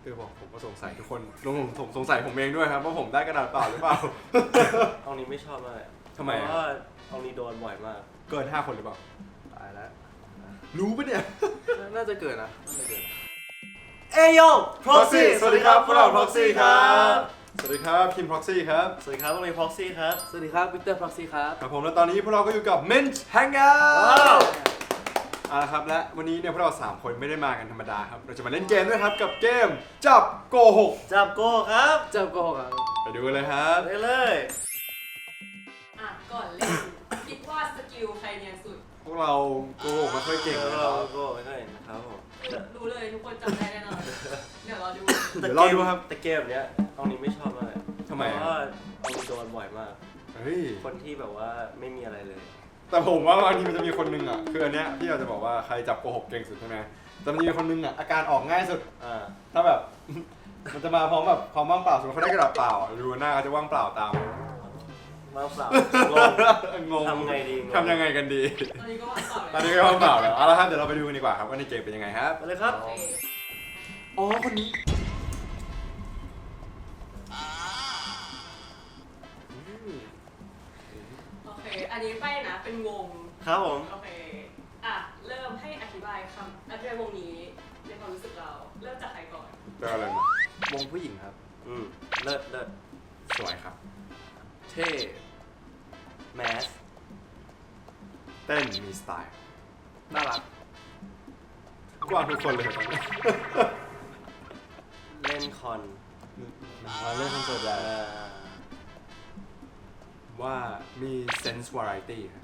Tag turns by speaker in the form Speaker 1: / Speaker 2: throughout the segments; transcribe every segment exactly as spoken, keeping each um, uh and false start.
Speaker 1: คือบอกผมก็สงสัยทุกคนรวมผมผมสงสัยผมเองด้วยครับว่าผมได้กระดาษเปล่าหรือเปล่า
Speaker 2: ห้องนี้ไม่ชอบมาก
Speaker 1: ทำไม
Speaker 2: เพราะว่าห้องนี้โดนบ่อยมาก
Speaker 1: เกินห้าคนหรือเปล่า
Speaker 3: ตายแล้ว
Speaker 1: รู้ปะเนี่ย
Speaker 3: น่าจะเกิดนะน่าจะเกิด
Speaker 2: เอยโย
Speaker 1: Proxy สวัสดีครับพวกเรา
Speaker 2: Proxy
Speaker 1: Proxy ครับสวัสดีครับคิม Proxy ครับ
Speaker 2: สวัสดีครับพวกเรา Proxy ครับ
Speaker 3: สวัสดีครับวิกเตอร์พ็อกซี่ครับ
Speaker 1: ครับผมและตอนนี้พวกเราก็อยู่กับ Mint Hangout
Speaker 2: ว้าว
Speaker 1: เอาละครับและวันนี้เนี่ยพวกเราสามคนไม่ได้มากันธรรมดาครับเราจะมาเล่นเกมด้วยครับกับเกมจับโกหก
Speaker 2: จับโกครับ
Speaker 3: เจ้าโกหกครับ
Speaker 1: ไปดูกันเลยครับ
Speaker 2: ไปเลย
Speaker 4: อ่ะก่อนเล่น คิดว่าสกิลใครเนียนสุด
Speaker 1: พวกเราโกหกไม่ค่อยเก่ง
Speaker 2: เอ
Speaker 1: เลย
Speaker 2: อ
Speaker 1: ค
Speaker 2: เรา
Speaker 1: รับ
Speaker 2: โกไม่เคยเห็นนะครับผม
Speaker 4: รู้เลยทุกคนจำได้แน่นอน เดี๋ยวรอดู
Speaker 1: เดี๋ยวรอดูครับ
Speaker 2: แต่เกมเนี้ยห้องนี้ไม่ชอบมาก
Speaker 1: ทำไม
Speaker 2: เพ
Speaker 1: อะ
Speaker 2: ราะว่าห้องนี้โดนบ่อยมาก
Speaker 1: เฮ้ย
Speaker 2: คนที่แบบว่าไม่มีอะไรเลย
Speaker 1: แต่ผมว่าบางทีมันจะมีคนนึงอ่ะคืออันเนี้ยที่เราจะบอกว่าใครจับโกหกเก่งสุดใช่ไหมแต่มันจะมีคนนึงอ่ะอาการออกง่ายสุด
Speaker 2: อ่า
Speaker 1: ถ้าแบบ มันจะมาพร้อมแบบความว่างเปล่าสมมติเขาได้กระดาษเปล่าดูหน้าเขาจะว่างเปล่าตาม
Speaker 2: มาเปล่าง
Speaker 1: งง
Speaker 2: ทำไงดีงง
Speaker 1: ทำยังไงกันดี
Speaker 4: ตอนนี้ก็ว่างเปล่า
Speaker 1: ตอน
Speaker 4: เลย
Speaker 1: นี้ก็ว่างเปล่าแล้วเอาละครับเดี๋ยวเราไปดูกันดีกว่าครับว่าในเกมเป็นยังไงครับ
Speaker 2: ไปเลยครับ
Speaker 4: โอเค
Speaker 1: อ๋อคนนี้
Speaker 4: โอเค อันนี้ไปนะ เป็นวง
Speaker 2: ครับผม
Speaker 4: โอเค อ่ะ เริ่มให้อธิบายคำอธิบายวงนี้ในความรู้สึกเรา เริ่มจากใครก่อน
Speaker 1: เจออะไรมาว
Speaker 3: งผู้หญิงครับ
Speaker 2: อืมเลิศเลิศ
Speaker 1: สวยครับ
Speaker 3: เท่
Speaker 2: แมส
Speaker 1: เต้นมีสไตล์
Speaker 3: น่ารัก
Speaker 1: กว้างทุกคนเลยตอนนี้
Speaker 2: เล่นคอน
Speaker 1: มาเล่นคอนเสิร์ต
Speaker 2: เอ่
Speaker 1: แล้ว
Speaker 2: อ
Speaker 1: ว่ามี sense variety ครับ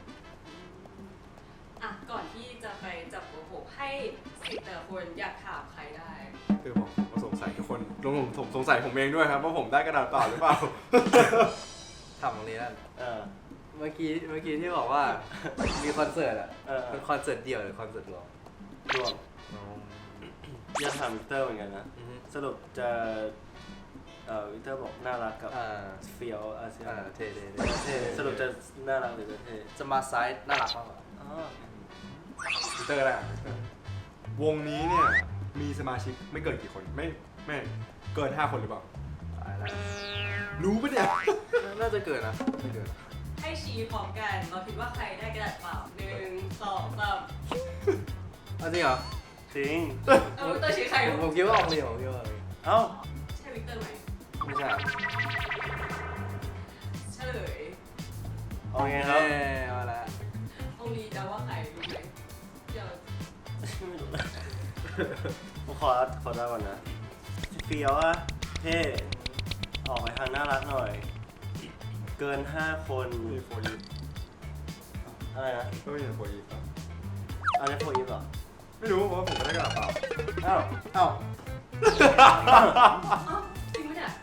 Speaker 4: อ่ะ ก่อนที่จะไปจับโกหกให้สิทธิ์แต่ละคนอยากถามใครได้
Speaker 1: คือบอกผมก็สงสัยทุกคนรวมผมผมสงสัยผมเองด้วยครับว่าผมได้กระดาษเปล่าหรือเปล่า
Speaker 3: ทำตรงนี้นั่น
Speaker 2: เออ
Speaker 3: เมื่อกี้เมื่อกี้ที่บอกว่า มีคอนเสิร์ตอ่ะ
Speaker 2: เออ
Speaker 3: เป็นคอนเสิร์ตเดี่ยวหรือคอนเสิร์ตรวม
Speaker 2: รวมอยากถามวิกเตอร์เหมือนกันนะ
Speaker 3: อือฮึ
Speaker 2: สรุปจะเอ่อวิกเตอร์บอกน่ารักกับ
Speaker 3: อ่า
Speaker 2: เฟียวอาเซีย
Speaker 3: อ่าเท่เท่
Speaker 2: เท่สรุปจะน่ารักหรือจะเท่
Speaker 3: จะมาซ้ายน่ารักมากกว่า
Speaker 2: อ๋อ
Speaker 1: พีเตอร์แหละวงนี้เนี่ยมีสมาชิกไม่เกินกี่คนไม่ไม่เกินห้าคนหรือเปล่า
Speaker 3: ตายแล้ว
Speaker 1: รู้ปะเนี่ย
Speaker 3: น่าจะเกิดนะน่าจะเกิด
Speaker 4: ให้ชี้พร้อมกัน เราคิดว่าใครได้กระดาษเปล่าหนึ่งสองสาม
Speaker 3: เอาจริงเหรอ
Speaker 2: จริง
Speaker 4: เออตัวชี้ใคร
Speaker 3: ผมผมคิดว่าออกเลยผมคิดว่าออกเลย
Speaker 2: เอ้า
Speaker 4: ใช่วิกเตอร์ไหม
Speaker 3: ไม่ใช่
Speaker 4: เฉลย
Speaker 2: เอาไงครับ
Speaker 3: เอ้ยเอาละ
Speaker 4: องลีจะว่าใครรู้ไหมเดี๋ยว
Speaker 2: ไม่รู้ผมขอขอได้ก่อนนะเฟียวอะเท่ออกไปทางน่ารักหน่อย เกินห้าคน
Speaker 1: มีโฟยี
Speaker 2: อะไรนะ
Speaker 1: ก็ไม่เห็นโฟยี
Speaker 2: อันนี้โฟอีฟเหรอ
Speaker 1: ไม่รู้เพราะว่าผมไม่ได้กระดาษเปล่า
Speaker 2: อ้าว
Speaker 1: อ้าว
Speaker 4: อ้าวจริงไหมเนี่ย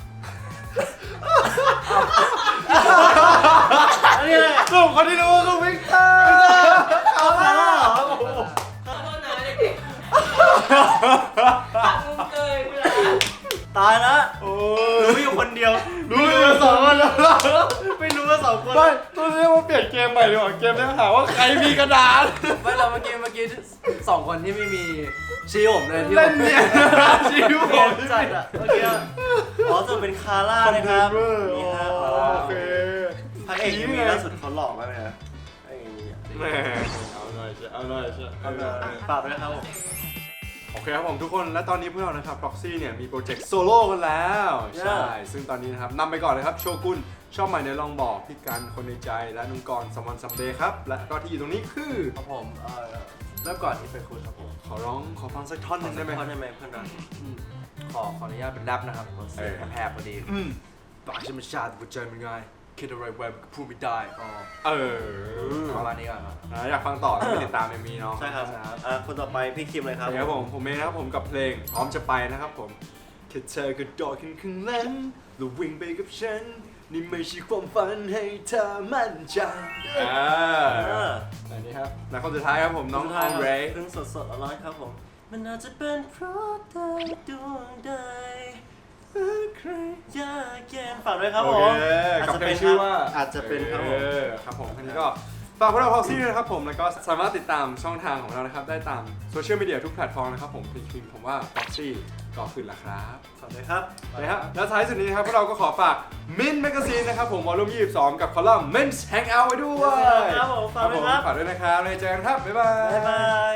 Speaker 2: อันนี้อะไร
Speaker 1: กลุ่มคนที่รู้คือวิกเตอร์
Speaker 2: เอามาแล้วเหรอ
Speaker 4: ขอโทษนะเด็กๆหักมุมเกยคุณละ
Speaker 2: ตายละ
Speaker 1: โอ้
Speaker 2: รู้
Speaker 1: ย
Speaker 2: อยู่คนเดียว
Speaker 1: รู้เลยสองคนแล้ว
Speaker 2: ไม่รู้ว่าสองคน
Speaker 1: ไม่ต้องเรียกว่าเปลี่ยนเกมใหม่ดีกว่าเกมนี้หาว่าใครมีกระดาษ
Speaker 3: ไม่เราเมื่อกี้เมื่อกี้สองคนที่ไม่มีชี้ผมเลยที่
Speaker 1: เล่
Speaker 3: ผ
Speaker 1: น
Speaker 3: ม
Speaker 1: เนี่ยชิว
Speaker 2: เกมจัดอะเมื่อกี้อะอ๋อจะเป็นคาร่านะครับ นี่ฮะ
Speaker 1: โอเค
Speaker 2: พระเอกยังมีล่าสุดเขาหลอกมากเลยนะพระเอกยังมีอะ
Speaker 1: แหมเอาหน่อยเชียวเอาหน่อยเชียว
Speaker 2: เอาเลยฝากด้วยนะครับผม
Speaker 1: โอเคครับผมทุกคนและตอนนี้พวกเรานะครับ Proxy เนี่ยมีโปรเจกต์โซโล่กันแล้ว ใช่ ซึ่งตอนนี้นะครับนำไปก่อนเลยครับโชกุนชอบใหม่ในลองบอกพี่กันคนในใจและนุ่งกรสมอนซัมเดย์ครับ และก็ที่อยู่ตรงนี้คือ
Speaker 3: ครับผมเออเริ่มก่อนที่เป็นคุณครับผม
Speaker 1: ขอร้องขอฟังสักท่อนหนึงได้ไหม
Speaker 2: ขอได้ไหมเพื่อนรัก
Speaker 3: อืมขอขออนุญาตเป็นแรปนะครับผมเสียงแผบๆพอดี
Speaker 1: อืม
Speaker 3: ปากฉันมันชาติหัวใจมันง่ายคิดอะไรไว้มันก็พูดไม่ได้อ๋อ
Speaker 1: เออ
Speaker 3: ประมาณนี้ก่อนครับ
Speaker 1: นะอยากฟังต่อต้องไปติดตามเอ็มวีเนาะ
Speaker 2: ใช่ครับอ่ะคนต่อไปพี่คิมเลยครับ
Speaker 1: ครับผมผมเองนะครับผมกับเพลงพร้อมจะไปนะครับผมแค่เธอกระโดดขึ้นข้างหลังแล้ววิ่งไปกับฉันนี่ไม่ใช่ความฝันให้เธอมั่นใจอ่า
Speaker 2: เออ
Speaker 1: อันนี้ครับและคนสุดท้ายครับผมน้องอองเรย์
Speaker 2: เพิ่งสดสดๆร้อนๆครับผม มันอาจจะเป็นเพราะใดดวงใดใครยากเย็นฝากด้วยครับ
Speaker 1: โอ
Speaker 2: ผ
Speaker 1: เค
Speaker 2: มอาจ
Speaker 1: กับ
Speaker 2: จะ
Speaker 1: เพล
Speaker 2: เป็
Speaker 1: ง
Speaker 2: น
Speaker 1: ชื่อว่า
Speaker 2: อาจจะเป็นครับผม
Speaker 1: เออครับผมทีนี้ก็ฝากพวกเรา Proxy ด้วยนะครับผมแล้วก็สามารถติดตามช่องทางของเรานะครับได้ตามโซเชียลมีเดียทุกแพลตฟอร์มนะครับผมพิมพ์ผมว่า Proxy ก็ขึ้นแล้วครับ
Speaker 2: ขอบคุณครับ
Speaker 1: นะครับแล้วท้ายสุดนี้นะครับพวกเราก็ขอฝาก Mint Magazine นะครับผมวอลลุ่มยี่สิบสองกับคอลัมน์ Men's Hangout ไว้ด้วย
Speaker 2: ครับผมฝากด้วยครับ
Speaker 1: ฝากด้วยนะครับแล้วเจอกันครับ บ๊ายบาย
Speaker 2: บ๊ายบาย